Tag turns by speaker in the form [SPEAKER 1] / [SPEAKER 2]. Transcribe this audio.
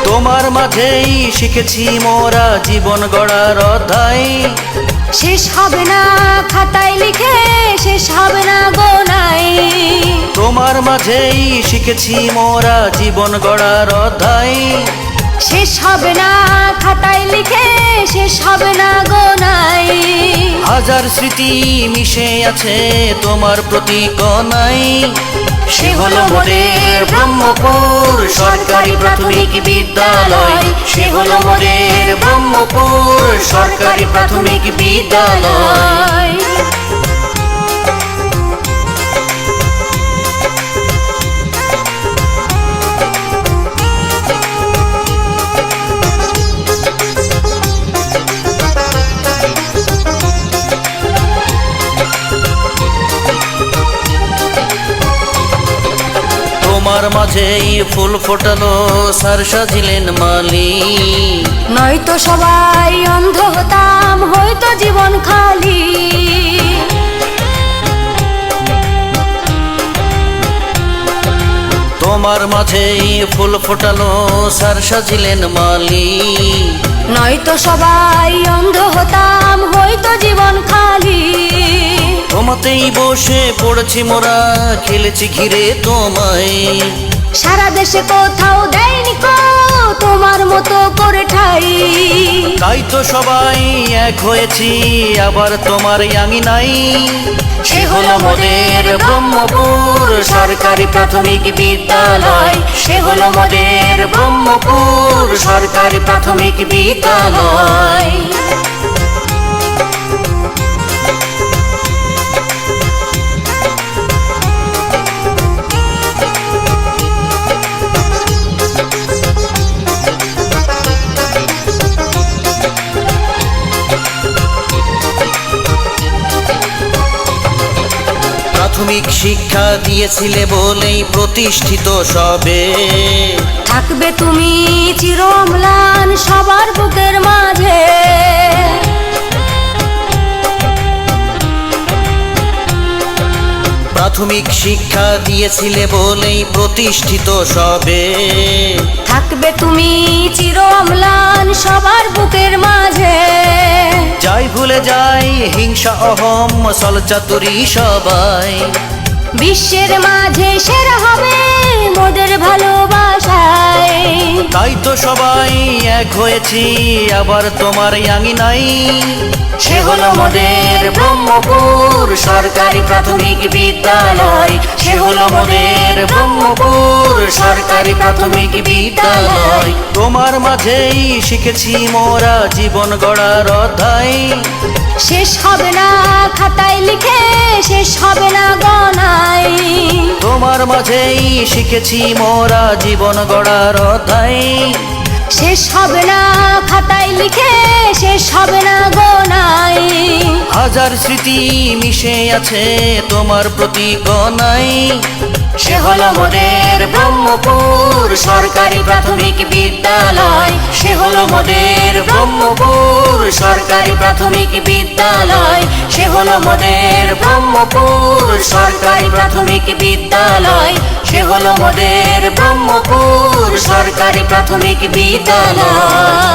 [SPEAKER 1] তোমার মাঝেই শিখেছি মোরা জীবন গড়ার অধ্যায়।
[SPEAKER 2] শেষ হবে না খাতায় লিখে, শেষ হবে না গোনায়।
[SPEAKER 1] তোমার মাঝেই শিখেছি মোরা জীবন গড়ার অধ্যায়।
[SPEAKER 2] শেষ হবে না খাতায় লিখে, শেষ হবে না গোনায়।
[SPEAKER 1] হাজার স্মৃতি মিশে আছে তোমার প্রতি কণায়। সে হলো মোদের ব্রহ্মপুর সরকারি প্রাথমিক বিদ্যালয়। সে হলো মোদের ব্রহ্মপুর সরকারি প্রাথমিক বিদ্যালয়। তোমার মাঝেই ফুল ফোটালো সার সাজিলেন মালি।
[SPEAKER 2] নয়তো সবাই অন্ধ হতাম, হয়তো জীবন খালি।
[SPEAKER 1] তোমার মাঝেই ফুল ফোটালো সার সাজিলেন মালি।
[SPEAKER 2] নয়তো সবাই অন্ধ হতাম, হয়তো জীবন খালি।
[SPEAKER 1] তোমাতেই বসে পড়েছি মোরা, খেলেছি ঘিরে তোমায়।
[SPEAKER 2] সারা দেশে কোথাও দেয়নি কো তোমার মতো করে ঠাই।
[SPEAKER 1] তাই তো সবাই এক হয়েছি আবার তোমার আঙিনাই। সে হলো মোদের ব্রহ্মপুর সরকারি প্রাথমিক বিদ্যালয়। সে হলো মোদের ব্রহ্মপুর সরকারি প্রাথমিক বিদ্যালয়। প্রাথমিক শিক্ষা দিয়েছিলে বলেই প্রতিষ্ঠিত সবে।
[SPEAKER 2] থাকবে তুমি চির অম্লান সবার বুকের মাঝে।
[SPEAKER 1] প্রাথমিক শিক্ষা দিয়েছিলে বলেই প্রতিষ্ঠিত সবে।
[SPEAKER 2] থাকবে তুমি চির অম্লান সবার বুকের মাঝে।
[SPEAKER 1] যাই ভুলে যাই হিংসা অহম ছলচাতুরি সবাই।
[SPEAKER 2] বিশ্বের মাঝে সেরা হবে মোদের ভালোবাসায়।
[SPEAKER 1] তাই তো সবাই এক হয়েছি আবার তোমার আঙিনাই। সে হলো মোদের ব্রহ্মপুর সরকারি প্রাথমিক বিদ্যালয়। সে হলো মোদের ব্রহ্মপুর সরকারি প্রাথমিক বিদ্যালয়। তোমার মাঝেই শিখেছি মোরা জীবন গড়ার অধ্যায়।
[SPEAKER 2] শেষ হবে না খাতায় লিখে, শেষ হবে না গণায়।
[SPEAKER 1] তোমার মাঝেই শিখেছি মোরা জীবন গড়ার অধ্যায়।
[SPEAKER 2] শেষ হবে না খাতায় লিখে, শেষ হবে না গোনায়।
[SPEAKER 1] হাজার স্মৃতি মিশে আছে তোমার প্রতি কণায়। সে হলো মোদের ব্রহ্মপুর সরকারি প্রাথমিক বিদ্যালয়। সে হলো মোদের ব্রহ্মপুর সরকারি প্রাথমিক বিদ্যালয়। সে হলো মোদের ব্রহ্মপুর সরকারি প্রাথমিক বিদ্যালয়। সে হলো মোদের ব্রহ্মপুর সরকারি প্রাথমিক বিদ্যালয়।